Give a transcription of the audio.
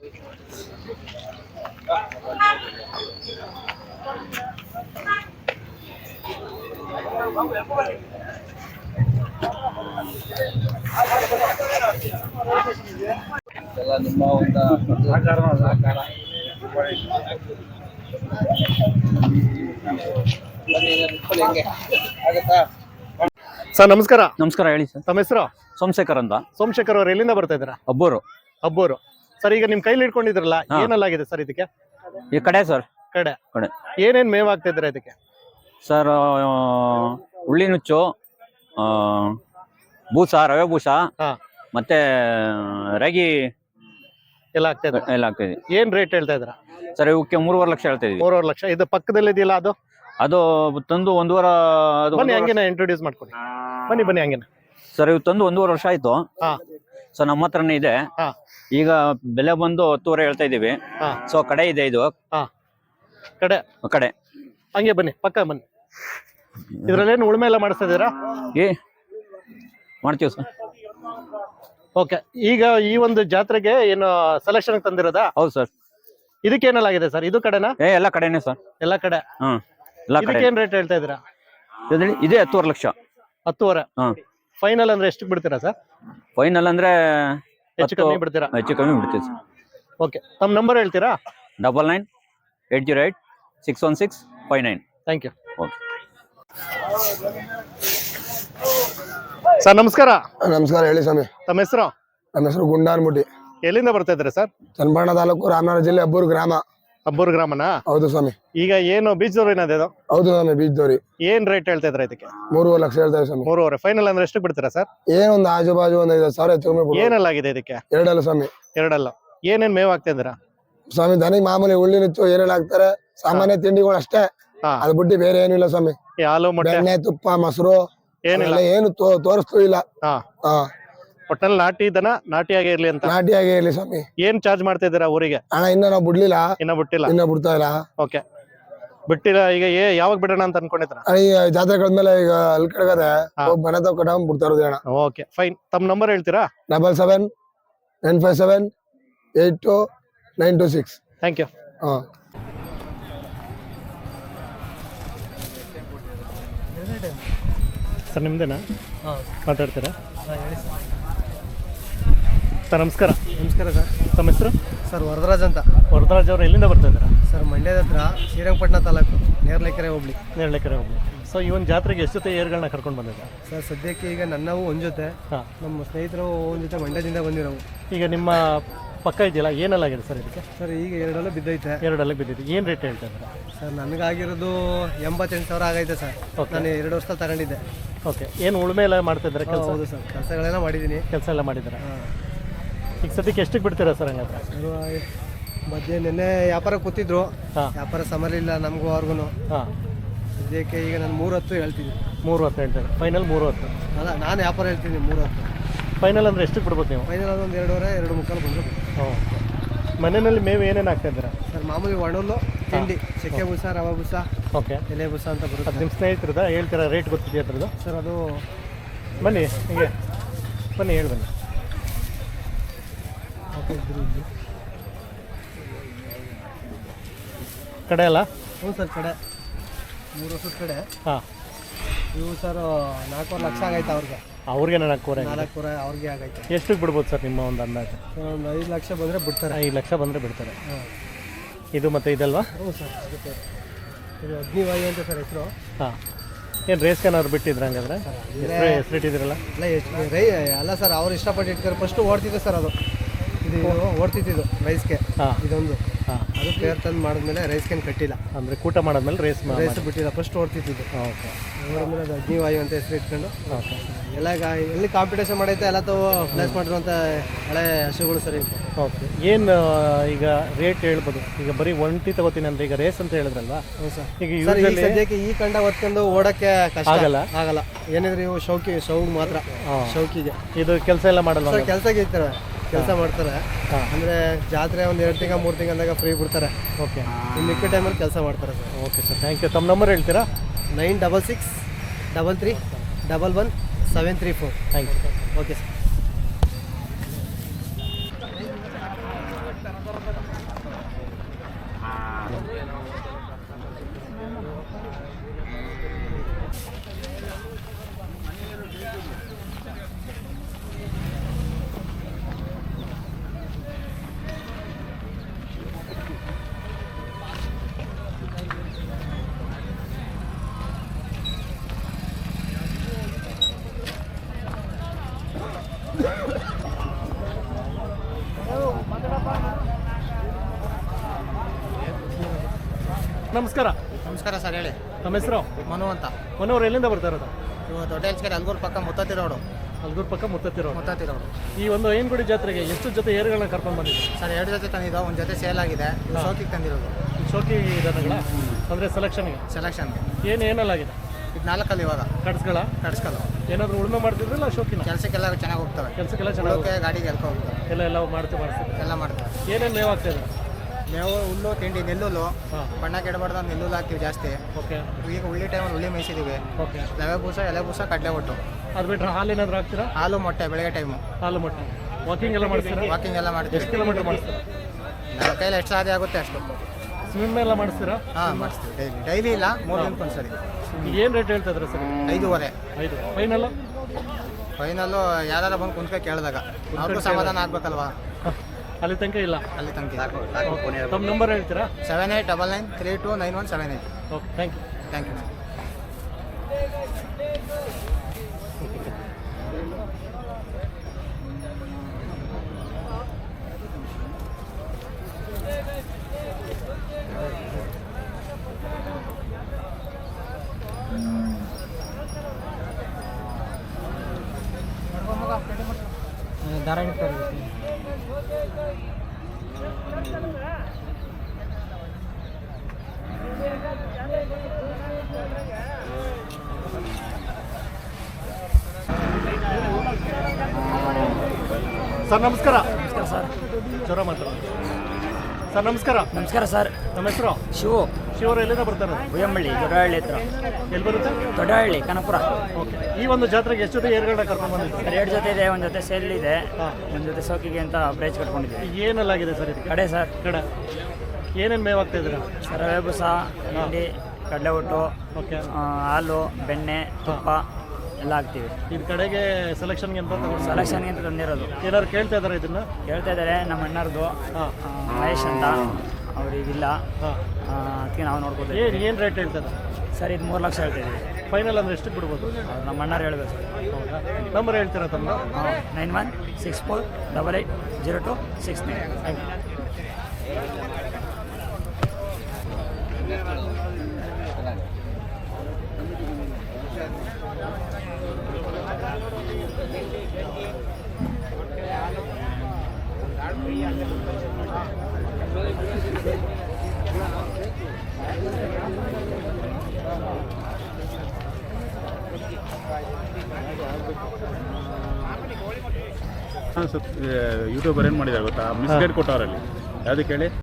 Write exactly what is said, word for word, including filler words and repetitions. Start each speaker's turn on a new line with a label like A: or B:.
A: ಎಲ್ಲ ನಿಮ್ಮ ಒಂದು ಸಹಕಾರ
B: ಸರ್ ನಮಸ್ಕಾರ.
C: ನಮಸ್ಕಾರ, ಹೇಳಿ ಸರ್.
B: ತಮ್ಮ ಹೆಸರು?
C: ಸೋಮಶೇಖರ್ ಅಂತ.
B: ಸೋಮಶೇಖರ್ ಅವ್ರು ಎಲ್ಲಿಂದ ಬರ್ತಾ ಇದ್ದೀರಾ?
C: ಅಬ್ಬೂರು.
B: ಅಬ್ಬೂರು. ಸರ್ ಈಗ ನಿಮ್ ಕೈಲಿ ಇಟ್ಕೊಂಡಿದ್ರಲ್ಲ, ಏನೆಲ್ಲಾಗಿದೆ ಸರ್ ಇದಕ್ಕೆ?
C: ಈ ಕಡೆ ಸರ್,
B: ಕಡೆ
C: ಕಡೆ
B: ಏನೇನ್ ಮೇವ್ ಆಗ್ತಾ ಇದ್ದೀರಾ ಇದಕ್ಕೆ?
C: ಸರ್ ಉಳ್ಳಿ ನುಚ್ಚು, ಬೂಸ, ರವೆ ಬೂಸ, ಮತ್ತೆ ರಾಗಿ
B: ಎಲ್ಲ ಆಗ್ತಾ ಇದೆ.
C: ಎಲ್ಲ ಆಗ್ತಾ ಇದೆ.
B: ಏನ್ ರೇಟ್ ಹೇಳ್ತಾ ಇದ್ದೀರಾ
C: ಸರ್? ಇವಕ್ಕೆ ಮೂರುವರೆ ಲಕ್ಷ ಹೇಳ್ತಾ ಇದೀವಿ.
B: ಮೂರುವರೆ ಲಕ್ಷ. ಇದು ಪಕ್ಕದಲ್ಲಿ ಇದೆಯಲ್ಲ ಅದು?
C: ಅದು ತಂದು ಒಂದೂವರೆ.
B: ಬನ್ನಿ ಹಂಗೇನ ಇಂಟ್ರೊಡ್ಯೂಸ್ ಮಾಡ್ಕೊಡಿ. ಬನ್ನಿ ಬನ್ನಿ ಹಂಗೇನ.
C: ಸರ್ ಇವು ತಂದು ಒಂದೂವರೆ ವರ್ಷ ಆಯ್ತು. ಸೊ ನಮ್ಮ ಹತ್ರನೇ ಇದೆ. ಈಗ ಬೆಲೆ ಬಂದು ಹತ್ತುವರೆ ಹೇಳ್ತಾ ಇದೀವಿ. ಸೊ ಕಡೆ ಇದೆ ಇದು.
B: ಕಡೆ
C: ಕಡೆ
B: ಹಂಗೆ ಬನ್ನಿ, ಪಕ್ಕ ಬನ್ನಿ. ಇದ್ರಲ್ಲೇನು ಉಳುಮೆ ಎಲ್ಲ ಮಾಡಿಸ್ತಾ ಇದೀರಾ?
C: ಏ ಮಾಡ್ತೀವಿ ಸರ್.
B: ಓಕೆ. ಈಗ ಈ ಒಂದು ಜಾತ್ರೆಗೆ ಏನು ಸೆಲೆಕ್ಷನ್ ತಂದಿರೋದಾ?
C: ಹೌದು ಸರ್.
B: ಇದಕ್ಕೇನೆಲ್ಲಾಗಿದೆ ಸರ್? ಇದು ಕಡೆನಾ?
C: ಏ ಎಲ್ಲ ಕಡೆನೇ ಸರ್.
B: ಎಲ್ಲ ಕಡೆ.
C: ಹ್ಮ್ ಎಲ್ಲ ಕಡೆ.
B: ಏನ್ ರೇಟ್ ಹೇಳ್ತಾ ಇದೀರಾ?
C: ಇದೆ ಹತ್ತುವರೆ ಲಕ್ಷ.
B: ಹತ್ತುವರೆ. ಫೈನಲ್ ಅಂದ್ರೆ ಎಷ್ಟು ಬಿಡ್ತೀರಾ ಸರ್?
C: ಫೈನಲ್ ಅಂದ್ರೆ
B: ಹೆಚ್ಚು ಕಮ್ಮಿ ಬಿಡ್ತೀರಾ?
C: ಹೆಚ್ಚು ಕಮ್ಮಿ ಬಿಡ್ತೀವಿ ಸರ್.
B: ಓಕೆ. ತಮ್ಮ ನಂಬರ್ ಹೇಳ್ತೀರಾ?
C: Double nine eight zero eight six one six five nine.
B: Thank you.
C: Okay
B: sir ನಮಸ್ಕಾರ.
D: ನಮಸ್ಕಾರ, ಹೇಳಿ ಸ್ವಾಮಿ.
B: ತಮ್ಮ ಹೆಸರು?
D: ನಮ್ಮ ಹೆಸರು ಗುಂಡಾನ್ಮುಟ್ಟಿ.
B: ಎಲ್ಲಿಂದ ಬರ್ತಾ ಇದ್ದೀರಾ ಸರ್?
D: ಚನ್ನಪಟ್ಟಣ ತಾಲೂಕು, ರಾಮನಗರ ಜಿಲ್ಲೆ, ಅಬ್ಬೂರು ಗ್ರಾಮ.
B: ಅಬ್ಬೂರು ಗ್ರಾಮನಾ?
D: ಹೌದು ಸ್ವಾಮಿ.
B: ಈಗ ಏನು ಬೀಜದವ್ರು ಏನಾದ್ರು?
D: ಹೌದು ಸ್ವಾಮಿ, ಬೀಜದವ್ರಿ.
B: ಏನ್ ರೇಟ್ ಹೇಳ್ತಾ ಇದ್ರ ಇದಕ್ಕೆ?
D: ಮೂರುವರೆ ಲಕ್ಷ ಹೇಳ್ತಾರೆ ಸ್ವಾಮಿ.
B: ಮೂರುವರೆ. ಫೈನಲ್ ಅಂದ್ರೆ ಎಷ್ಟು ಬಿಡ್ತೀರಾ ಸರ್?
D: ಏನೊಂದು ಆಜು ಬಾಜು ಒಂದ್ ಐದು ಸಾವಿರ ಹೆಚ್ಚು ಕಮ್ಮಿ.
B: ಏನೆಲ್ಲ ಆಗಿದೆ ಇದಕ್ಕೆ?
D: ಎರಡಲ್ಲ ಸ್ವಾಮಿ.
B: ಎರಡಲ್ಲ. ಏನೇನ್ ಮೇವ್ ಆಗ್ತಾ ಇದ್ದೀರಾ
D: ಸ್ವಾಮಿ? ದನಿಗೆ ಮಾಮೂಲಿ ಉಳ್ಳಿ ನುಚ್ಚು ಏನೆಲ್ಲ ಹಾಕ್ತಾರೆ, ಸಾಮಾನ್ಯ ತಿಂಡಿಗಳು ಅಷ್ಟೇ. ಅದ್ ಬಿಟ್ಟು ಬೇರೆ ಏನು ಇಲ್ಲ ಸ್ವಾಮಿ.
B: ಹಾಲು, ಮೊಟ್ಟೆ,
D: ಎಣ್ಣೆ, ತುಪ್ಪ, ಮೊಸರು ಏನಿಲ್ಲ, ಏನು ತೋರಿಸ್ತು ಇಲ್ಲ.
B: ಒಟ್ಟಲ್ಲಿ ನಾಟಿ ದನ ನಾಟಿಯಾಗಿ ಇರ್ಲಿ ಅಂತ.
D: ನಾಟಿಯಾಗಿ ಇರ್ಲಿ ಸ್ವಾಮಿ.
B: ಏನ್ ಚಾರ್ಜ್ ಮಾಡ್ತಾ ಇದ್ದೀರಾ ಊರಿಗೆ?
D: ಹಣ ಇನ್ನ ನಾವು ಬಿಡ್ಲಿಲ್ಲ.
B: ಇನ್ನ ಬಿಟ್ಟಿಲ್ಲ?
D: ಇನ್ನ ಬಿಡ್ತಾ ಇಲ್ಲ.
B: ಓಕೆ, ಬಿಟ್ಟಿಲ್ಲ. ಈಗ ಯಾವಾಗ ಬಿಡೋಣ ಅಂತ ಅನ್ಕೊಂಡಿದ್ರ?
D: ಈ ಜಾತ್ರೆ ಕಳೆದ್ಮೇಲೆ ಈಗ ಅಲ್ಲಿ ಕಡೆಗದೆ ಮನೆ ತಗ ಕಟ್ಟ ಬಿಡ್ತಾ ಇರೋದು ಅಣ್ಣ.
B: Okay fine. ತಮ್ಮ ನಂಬರ್ ಹೇಳ್ತೀರಾ?
D: Double seven nine five seven eight two nine two six.
B: Thank you.
D: ಹಾ
B: ಸರ್ ನಿಮ್ದೇನಾ ಮಾತಾಡ್ತೀರಾ? ಸರ್ ನಮಸ್ಕಾರ.
E: ನಮಸ್ಕಾರ ಸರ್.
B: ತಮ್ಮ ಹೆಸರು?
E: ಸರ್ ವರದರಾಜ್ ಅಂತ.
B: ವರದರಾಜ್ ಅವರು ಎಲ್ಲಿಂದ ಬರ್ತಾ ಇದ್ದೀರಾ?
E: ಸರ್ ಮಂಡ್ಯದ ಹತ್ರ ಶ್ರೀರಂಗಪಟ್ಟಣ ತಾಲೂಕು, ನೇರಳೆಕೆರೆ ಹೋಬಳಿ.
B: ನೇರಳೆಕೆರೆ ಹೋಬಳಿ. ಸೊ ಈ ಒಂದು ಜಾತ್ರೆಗೆ ಎಷ್ಟು ಜೊತೆ ಏರ್ಗಳನ್ನ ಕರ್ಕೊಂಡು ಬಂದಿದ್ದೆ
E: ಸರ್? ಸದ್ಯಕ್ಕೆ ಈಗ ನನ್ನವು ಒಂದು ಜೊತೆ, ನಮ್ಮ ಸ್ನೇಹಿತರು ಒಂದು ಜೊತೆ ಮಂಡ್ಯದಿಂದ ಬಂದಿರೋವು.
B: ಈಗ ನಿಮ್ಮ ಪಕ್ಕ ಇದೆಯಲ್ಲ, ಏನೆಲ್ಲಾಗಿದೆ ಸರ್ ಇದಕ್ಕೆ?
E: ಸರ್ ಈಗ ಎರಡಲ್ಲೂ ಬಿದ್ದೈತೆ.
B: ಎರಡಲ್ಲೂ ಬಿದ್ದಿದೆ. ಏನು ರೇಟ್ ಹೇಳ್ತಾ ಇದ್ದೀರಾ?
E: ಸರ್ ನನಗಾಗಿರೋದು ಎಂಬತ್ತೆಂಟು ಸಾವಿರ ಆಗೈತೆ ಸರ್. ನಾನು ಎರಡು ವರ್ಷ ತಗೊಂಡಿದ್ದೆ.
B: ಓಕೆ. ಏನು ಉಳುಮೆ ಎಲ್ಲ ಮಾಡ್ತಾ ಇದ್ದಾರೆ ಕೆಲಸ?
E: ಹೌದು ಸರ್, ಕೆಲಸಗಳೆಲ್ಲ ಮಾಡಿದ್ದೀನಿ.
B: ಕೆಲಸ ಎಲ್ಲ ಮಾಡಿದ್ದೀರಾ? ಈಗ ಸದ್ಯಕ್ಕೆ ಎಷ್ಟಕ್ಕೆ ಬಿಡ್ತೀರಾ ಸರ್ ಹಂಗಾದ್ರೆ?
E: ಮಧ್ಯೆ ನಿನ್ನೆ ವ್ಯಾಪಾರ ಕೂತಿದ್ರು, ವ್ಯಾಪಾರ ಸಮರಲಿಲ್ಲ ನಮಗೂ ಅವ್ರಿಗೂ.
B: ಹಾಂ.
E: ಸದ್ಯಕ್ಕೆ ಈಗ ನಾನು ಮೂರು ಹತ್ತು ಹೇಳ್ತೀನಿ.
B: ಮೂರು ಹತ್ತು ಹೇಳ್ತಾರೆ. ಫೈನಲ್ ಮೂರು ಹತ್ತು?
E: ಅಲ್ಲ, ನಾನು ವ್ಯಾಪಾರ ಹೇಳ್ತೀನಿ ಮೂರು ಹತ್ತು.
B: ಫೈನಲ್ ಅಂದರೆ ಎಷ್ಟಕ್ಕೆ ಬಿಡ್ಬೋದು ನೀವು?
E: ಫೈನಲ್ ಅದು ಒಂದು ಎರಡೂವರೆ ಎರಡು ಮುಕ್ಕಾಲು ಬಂದರೆ.
B: ಓಕೆ. ಮನೆಯಲ್ಲಿ ಮೇವು ಏನೇನು ಆಗ್ತಾ ಇದ್ದೀರಾ
E: ಸರ್? ಮಾಮೂಲಿ ಒಣಲು ತಿಂಡಿ, ಚಕ್ಕೆ ಬೂಸ, ರವೆ ಬೂಸ,
B: ಓಕೆ,
E: ಎಲೆ ಬೂಸ ಅಂತ ಬರುತ್ತೆ.
B: ನಿಮ್ಮ ಸ್ನೇಹಿತರದ ಹೇಳ್ತೀರಾ? ರೇಟ್ ಗೊತ್ತಿದೆಯಾ ಅದ್ರದ್ದು?
E: ಸರ್ ಅದು
B: ಬನ್ನಿ ಹೀಗೆ ಬನ್ನಿ, ಹೇಳಿ ಬನ್ನಿ. ಕಡೆ ಅಲ್ಲ?
E: ಹ್ಞೂ ಸರ್, ಕಡೆ ಮೂರು ವರ್ಷದ ಕಡೆ.
B: ಹಾಂ.
E: ಇವು ಸರ್ ನಾಲ್ಕೂವರೆ ಲಕ್ಷ ಆಗೈತೆ ಅವ್ರಿಗೆ.
B: ಅವ್ರಿಗೆ ನಾಲ್ಕೂವರೆ
E: ನಾಲ್ಕೂವರೆ ಅವ್ರಿಗೆ ಆಗೈತೆ.
B: ಎಷ್ಟಕ್ಕೆ ಬಿಡ್ಬೋದು ಸರ್ ನಿಮ್ಮ ಒಂದು ಅಂದಾಜು?
E: ಒಂದು ಐದು ಲಕ್ಷ ಬಂದರೆ ಬಿಡ್ತಾರೆ.
B: ಐದು ಲಕ್ಷ ಬಂದರೆ ಬಿಡ್ತಾರೆ. ಹಾಂ. ಇದು ಮತ್ತೆ ಇದಲ್ವಾ?
E: ಹ್ಞೂ ಸರ್, ಅದಕ್ಕೆ ಇದು ಅಗ್ನಿವಾಯು ಅಂತ ಸರ್ ಹೆಸರು. ಹಾಂ.
B: ಏನು ರೇಸ್ಗೇನಾದ್ರು ಬಿಟ್ಟಿದ್ರೆ ಹಂಗಾದ್ರೆ? ಹೆಸರು ಇಟ್ಟಿದ್ರಲ್ಲ?
E: ಅಲ್ಲ, ಎಷ್ಟು ರೈ ಅಲ್ಲ ಸರ್, ಅವ್ರು ಇಷ್ಟಪಟ್ಟು ಇಟ್ತಾರೆ. ಫಸ್ಟು ಓಡ್ತಿದ್ದೆ ಸರ್, ಅದು ಇದು ಓಡ್ತಿದ್ದು ರೈಸ್ಗೆ. ಹಾಂ. ಇದೊಂದು ಹಾಂ. ಅದು ಪ್ಲೇಯರ್ ತಂದು ಮಾಡಿದ್ಮೇಲೆ ರೈಸ್ಗೇನು ಕಟ್ಟಿಲ್ಲ.
B: ಅಂದರೆ ಕೂಟ ಮಾಡಾದ್ಮೇಲೆ ರೇಸ್
E: ರೇಸ್ ಬಿಟ್ಟಿಲ್ಲ, ಫಸ್ಟ್ ಓಡ್ತಿದ್ದು.
B: ಓಕೆ.
E: ಆಮೇಲೆ ಅದು ಅಗ್ನಿವಾಯು ಅಂತ ಹೆಸರು ಇಟ್ಕೊಂಡು.
B: ಓಕೆ.
E: ಎಲ್ಲ ಎಲ್ಲಿ ಕಾಂಪಿಟೇಷನ್ ಮಾಡೈತೆ ಎಲ್ಲ ತಾವು ಪ್ಲೇಸ್ ಮಾಡಿರುವಂಥ ಹಳೆ ಹಸುಗಳು ಸರ್.
B: ಓಕೆ. ಏನು ಈಗ ರೇಟ್ ಹೇಳ್ಬೋದು? ಈಗ ಬರೀ ಒಂಟಿ ತಗೋತೀನಿ ಅಂದರೆ ಈಗ ರೇಸ್ ಅಂತ ಹೇಳಿದ್ರಲ್ವಾ?
E: ಹೌದು ಸರ್.
B: ಈಗ
E: ಸರ್ ಈ ಸದ್ಯಕ್ಕೆ ಈ ಕಂಡ ಹೊತ್ಕೊಂಡು ಓಡೋಕ್ಕೆ ಕಷ್ಟ
B: ಆಗಲ್ಲ
E: ಆಗಲ್ಲ ಏನಿದ್ರೆ ಇವು ಶೌಕಿ ಶೌಕ್ ಮಾತ್ರ. ಶೌಕಿಗೆ
B: ಇದು ಕೆಲಸ ಎಲ್ಲ ಮಾಡಲ್ಲ
E: ಸರ್? ಕೆಲಸಕ್ಕೆ ಇರ್ತಾರೆ, ಕೆಲಸ ಮಾಡ್ತಾರೆ. ಅಂದರೆ ಜಾತ್ರೆ ಒಂದು ಎರಡು ತಿಂಗಳು ಮೂರು ತಿಂಗಳು ಅಂದಾಗ ಫ್ರೀ ಬಿಡ್ತಾರೆ. ಓಕೆ. ಇನ್ನು ಮಿಕ್ಕ ಟೈಮಲ್ಲಿ ಕೆಲಸ ಮಾಡ್ತಾರೆ sir.
B: Okay sir, thank you. ತಮ್ಮ ನಂಬರ್ ಹೇಳ್ತೀರಾ?
E: Nine double six double three double one seven three four.
B: Thank you.
E: Okay sir.
B: ನಮಸ್ಕಾರ.
E: ನಮಸ್ಕಾರ ಸರ್, ಹೇಳಿ.
B: ನಮ್ಮ ಹೆಸರು
E: ಮನು ಅಂತ.
B: ಮನೋರು ಎಲ್ಲಿಂದ ಬರ್ತಾ ಇರೋದು?
E: ಇವಾಗ ದೊಡ್ಡ ಹೆಲ್ಸ್ಕೆರೆ ಅಲ್ಗೂರು ಪಕ್ಕ ಮುತ್ತತ್ತಿ ರೋಡು.
B: ಅಲ್ಗೂರು ಪಕ್ಕ ಮುತ್ತತ್ತಿರೋ
E: ಮುತ್ತತ್ತಿ ರೋಡು.
B: ಈ ಒಂದು ಐನಗುಡಿ ಜಾತ್ರೆಗೆ ಎಷ್ಟು ಜೊತೆ ಏರುಗಳನ್ನ ಕರ್ಕೊಂಡು ಬಂದಿದ್ದೀವಿ?
E: ಸರ್ ಎರಡು ಜೊತೆ ತಂದಿದ್ದು, ಒಂದು ಜೊತೆ ಸೇಲ್ ಆಗಿದೆ, ಶೋಕಿಗೆ ತಂದಿರೋದು.
B: ಶೋಕಿ ದನಗಳ ಅಂದರೆ ಸೆಲೆಕ್ಷನ್ಗೆ
E: ಸೆಲೆಕ್ಷನ್ಗೆ
B: ಏನು ಏನಲ್ಲಾಗಿದೆ?
E: ಇದು ನಾಲ್ಕಲ್ಲಿ ಇವಾಗ
B: ಕಟ್ಸ್ಗಳ
E: ಕಟ್ಸ್ಕಲ್ಲು.
B: ಏನಾದರೂ ಉಳುಮೆ ಮಾಡ್ತಿದ್ರಲ್ಲ ಶೋಕಿನ?
E: ಕೆಲಸಕ್ಕೆಲ್ಲ ಚೆನ್ನಾಗಿ ಹೋಗ್ತವೆ.
B: ಕೆಲಸಕ್ಕೆಲ್ಲ ಚೆನ್ನಾಗಿ
E: ಉಳೋಕೆ ಗಾಡಿಗೆ ಎಲ್ಕೊ ಹೋಗ್ತವೆ.
B: ಎಲ್ಲ ಎಲ್ಲ ಮಾಡ್ತೀವಿ ಮಾಡಿಸ್ತೀವಿ
E: ಎಲ್ಲ ಮಾಡ್ತವೆ.
B: ಏನೇನು ಮೇವು ಆಗ್ತಾ ಇದೆ?
E: ಮೇವು, ಹುಲ್ಲು, ತಿಂಡಿ, ನೆಲ್ಲುಲ್ಲು.
B: ಹಾಂ,
E: ಬಣ್ಣ ಕೆಡಬಾರ್ದು ಅಂತ ನೆಲ್ಲುಲ್ಲು ಹಾಕ್ತೀವಿ ಜಾಸ್ತಿ.
B: ಓಕೆ.
E: ಈಗ ಉಳ್ಳಿ ಟೈಮಲ್ಲಿ ಉಳ್ಳಿ ಮೇಯಿಸಿದ್ದೀವಿ.
B: ಓಕೆ.
E: ರವೆ ಬೂಸ, ಎಲೆ ಬೂಸ, ಕಡಲೆ ಒಟ್ಟು.
B: ಅದು ಬಿಟ್ಟರೆ ಹಾಲು ಏನಾದರೂ ಹಾಕ್ತೀರಾ?
E: ಹಾಲು, ಮೊಟ್ಟೆ ಬೆಳಗ್ಗೆ ಟೈಮು.
B: ಹಾಲು ಮೊಟ್ಟೆ. ವಾಕಿಂಗ್ ಎಲ್ಲ ಮಾಡಿಸ್ತೀರಾ?
E: ವಾಕಿಂಗ್ ಎಲ್ಲ ಮಾಡ್ತೀವಿ.
B: ಎಷ್ಟು ಕಿಲೋಮೀಟ್ರ್ ಮಾಡಿಸ್ತೀರಾ?
E: ನನ್ನ ಕೈಲಿ ಎಷ್ಟು ಸಾಧ್ಯ ಆಗುತ್ತೆ ಅಷ್ಟು.
B: ಸ್ವಿಮ್ ಎಲ್ಲ ಮಾಡಿಸ್ತೀರಾ?
E: ಹಾಂ, ಮಾಡಿಸ್ತೀವಿ. ಡೈಲಿ ಡೈಲಿ ಇಲ್ಲ, ಮೂರು ದಿನಕ್ಕೆ ಒಂದ್ಸರಿ.
B: ಏನು ರೇಟ್ ಹೇಳ್ತಾ ಇದ್ರೆ ಸರ್?
E: ಐದೂವರೆ.
B: ಐದು ಫೈನಲ್ಲು?
E: ಫೈನಲ್ಲು ಯಾರು ಬಂದು ಕುಂತ್ಕ ಕೇಳಿದಾಗ ಅವ್ರಿಗೂ ಸಮಾಧಾನ ಆಗ್ಬೇಕಲ್ವಾ,
B: ಅಲ್ಲಿ ತನಕ ಇಲ್ಲ.
E: ಅಲ್ಲಿ ತನಕ.
B: ತಮ್ಮ ನಂಬರ್ ಹೇಳ್ತೀರಾ?
E: Seven eight double nine three two nine one seven eight.
B: Okay, thank you.
E: Thank you. ದಾರ ಹಿಡ್ತಾರೆ.
B: ಸರ್ ನಮಸ್ಕಾರ.
E: ನಮಸ್ಕಾರ ಸರ್.
B: ಜ್ವರ ಮಾತಾಡೋದು. ಸರ್ ನಮಸ್ಕಾರ.
E: ನಮಸ್ಕಾರ ಸರ್.
B: ನಮ್ಮ ಹೆಸರು
E: ಶಿವು.
B: ಶಿವರು ಎಲ್ಲಿಂದ ಬರ್ತಾರೆ?
E: ಬುಯಂಬಳ್ಳಿ, ದೊಡ್ಡಹಳ್ಳಿ ಹತ್ರ.
B: ಎಲ್ಲಿ ಬರುತ್ತೆ?
E: ದೊಡ್ಡಹಳ್ಳಿ, ಕನಪುರ.
B: ಓಕೆ. ಈ ಒಂದು ಜಾತ್ರೆಗೆ ಎಷ್ಟು ಜೊತೆ ಏರ್ಗಳನ್ನ ಕರ್ಕೊಂಡು ಬಂದಿದ್ದೀವಿ?
E: ಎರಡು ಜೊತೆ ಇದೆ, ಒಂದು ಜೊತೆ ಸೇಲ್ ಇದೆ,
B: ಹಾಂ,
E: ಒಂದು ಜೊತೆ ಸೋಕಿಗೆ ಅಂತ ಬ್ರೇಚ್ ಕಟ್ಕೊಂಡಿದ್ದೀವಿ.
B: ಏನಲ್ಲಾಗಿದೆ ಸರ್ ಇದಕ್ಕೆ?
E: ಕಡೆ ಸರ್.
B: ಕಡೆ ಏನೇನು ಮೇವು ಆಗ್ತಾ ಇದ್ದೀರಾ?
E: ರವೆ ಬೂಸ, ಹಿಂಡಿ, ಕಡಲೆ ಒಟ್ಟು,
B: ಓಕೆ.
E: ಹಾಲು, ಬೆಣ್ಣೆ, ತುಪ್ಪ ಎಲ್ಲ ಹಾಕ್ತೀವಿ.
B: ಇದು ಕಡೆಗೆ ಸೆಲೆಕ್ಷನ್ಗೆ ಅಂತ ತಗೊಂಡು
E: ಸೆಲೆಕ್ಷನ್ಗೆ ಅಂತ ತಂದಿರೋದು.
B: ಏನಾದ್ರು ಕೇಳ್ತಾ ಇದ್ದಾರೆ ಇದನ್ನ?
E: ಹೇಳ್ತಾ ಇದ್ದಾರೆ ನಮ್ಮ ಅಣ್ಣರ್ದು,
B: ಹಾಂ,
E: ಮಹೇಶ್ ಅಂತ, ಅವ್ರಿಗಿಲ್ಲ,
B: ಹಾಂ.
E: ಅದಕ್ಕೆ ನಾವು ನೋಡ್ಕೋತೀವಿ.
B: ಏನು ಏನು ರೇಟ್ ಹೇಳ್ತಾ ಇದ್ದಾರೆ
E: ಸರ್? ಇದು ಮೂರು ಲಕ್ಷ ಹೇಳ್ತಿದ್ದೀವಿ.
B: ಫೈನಲ್ ಅಂದರೆ ಎಷ್ಟಕ್ಕೆ ಬಿಡ್ಬೋದು?
E: ಅವ್ರು ನಮ್ಮ ಅಣ್ಣರು ಹೇಳ್ಬೇಕು ಸರ್.
B: ಹೌದಾ? ನಂಬರ್ ಹೇಳ್ತೀರಾ ತಮ್ಮ?
E: Nine one six four double eight zero two six nine.
B: Thank you.
F: ಹಾಂ ಸರ್, ಯೂಟ್ಯೂಬರ್ ಏನು ಮಾಡಿದ್ದಾರೆ ಗೊತ್ತಾ? ಮಿಸ್ಗೈಡ್ ಕೊಟ್ಟವರಲ್ಲಿ ಯಾವುದಕ್ಕೆ ಹೇಳಿ?